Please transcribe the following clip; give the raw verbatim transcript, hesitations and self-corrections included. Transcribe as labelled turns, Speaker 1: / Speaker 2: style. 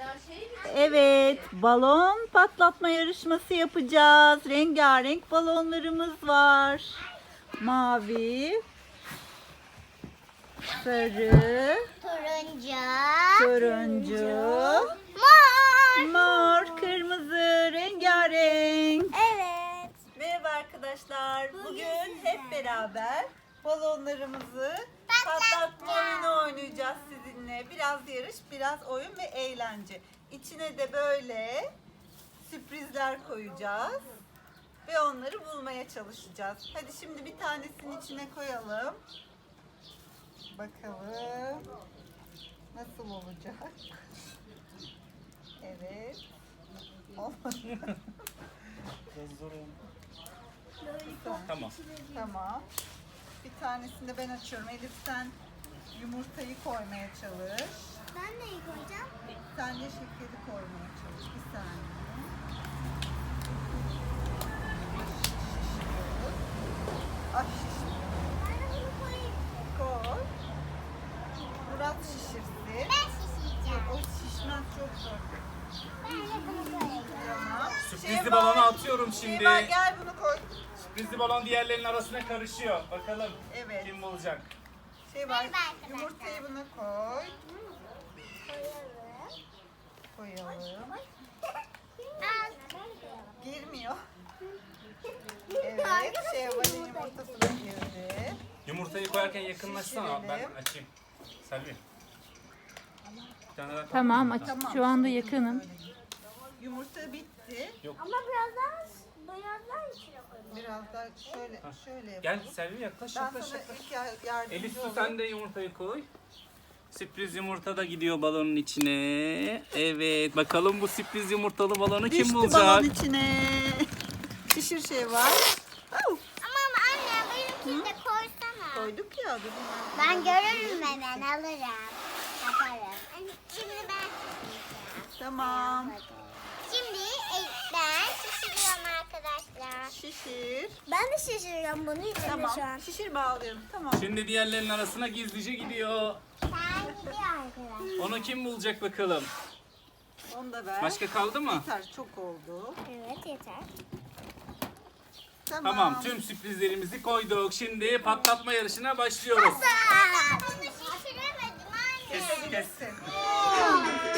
Speaker 1: Evet, balon patlatma yarışması yapacağız. Rengarenk balonlarımız var. Mavi, sarı,
Speaker 2: Turuncu.
Speaker 1: turuncu,
Speaker 2: Mor.
Speaker 1: mor, kırmızı, rengarenk.
Speaker 2: Evet.
Speaker 1: Merhaba arkadaşlar. Bugün hep beraber balonlarımızı patlatma oyunu oynayacağız sizinle. Biraz yarış, biraz oyun ve eğlence. İçine de böyle sürprizler koyacağız ve onları bulmaya çalışacağız. Hadi şimdi bir tanesini içine koyalım. Bakalım nasıl olacak? Evet. Olmadı.
Speaker 3: Tamam.
Speaker 1: Tamam. Bir tanesini de ben açıyorum. Elif sen yumurtayı koymaya çalış.
Speaker 2: Ben neyi koyacağım?
Speaker 1: Sen de şekeri koymaya çalış. Bir saniye. Ay şişmiyor.
Speaker 2: Ben de bunu koyayım.
Speaker 1: Koy. Murat şişirsin.
Speaker 2: Ben şişireceğim.
Speaker 1: O şişmez, çok zor.
Speaker 2: Ben de bunu koyayım.
Speaker 1: Tamam.
Speaker 3: Sürprizli
Speaker 1: Şeyma-
Speaker 3: balonu atıyorum şimdi.
Speaker 1: Şeyma gel bunu koy.
Speaker 3: Sürprizli balon diğerlerinin arasına karışıyor. Bakalım
Speaker 1: Evet.
Speaker 3: kim bulacak?
Speaker 1: Şey var.
Speaker 2: Merhaba arkadaşlar.
Speaker 1: Yumurtayı buna koy.
Speaker 2: Koyalım.
Speaker 1: Koyalım.
Speaker 2: Al.
Speaker 1: Girmiyor. Evet. Şeyma'nın yumurtası da girdi.
Speaker 3: Yumurtayı koyarken yakınlaşsana. Ben
Speaker 1: Şişirelim.
Speaker 3: açayım. Selvi. Bir tane daha
Speaker 4: Tamam, aç.
Speaker 1: Tamam.
Speaker 4: Şu anda yakınım.
Speaker 1: Yumurta bitti.
Speaker 2: Ama biraz daha biraz daha içine koyalım.
Speaker 1: Biraz daha şöyle şöyle
Speaker 3: Gel
Speaker 1: yapalım.
Speaker 3: Selvi yaklaş
Speaker 1: Ben
Speaker 3: yaklaş
Speaker 1: sana
Speaker 3: yaklaş.
Speaker 1: ilk ya- yardımcı
Speaker 3: Elif su
Speaker 1: olayım.
Speaker 3: sen de yumurtayı koy. Sürpriz yumurta da gidiyor balonun içine. Evet, bakalım bu sürpriz yumurtalı balonu kim
Speaker 1: Düştü
Speaker 3: bulacak?
Speaker 1: balon içine. Şişir şey var. Au,
Speaker 2: Ama anne benimkini de koysana.
Speaker 1: koyduk ya. dur hemen.
Speaker 2: Ben görürüm ve ben alırım. Yaparım. Şimdi ben şişireceğim.
Speaker 1: Tamam.
Speaker 2: Şimdi e, ben şişiriyorum arkadaşlar.
Speaker 1: Şişir.
Speaker 2: Ben de şişiriyorum bunu içinde
Speaker 1: Tamam. Şişir bağlıyorum. Tamam.
Speaker 3: Şimdi diğerlerinin arasına gizlice gidiyor.
Speaker 2: Sen gidiyor arkadaşlar.
Speaker 3: Onu kim bulacak bakalım?
Speaker 1: Onu da ver.
Speaker 3: Başka kaldı mı?
Speaker 1: Yeter, çok oldu.
Speaker 2: Evet yeter.
Speaker 1: Tamam.
Speaker 3: Tamam, tüm sürprizlerimizi koyduk. Şimdi patlatma yarışına başlıyoruz.
Speaker 2: Bunu şişiremedim anne.
Speaker 3: Kes, kes.
Speaker 1: Kesin.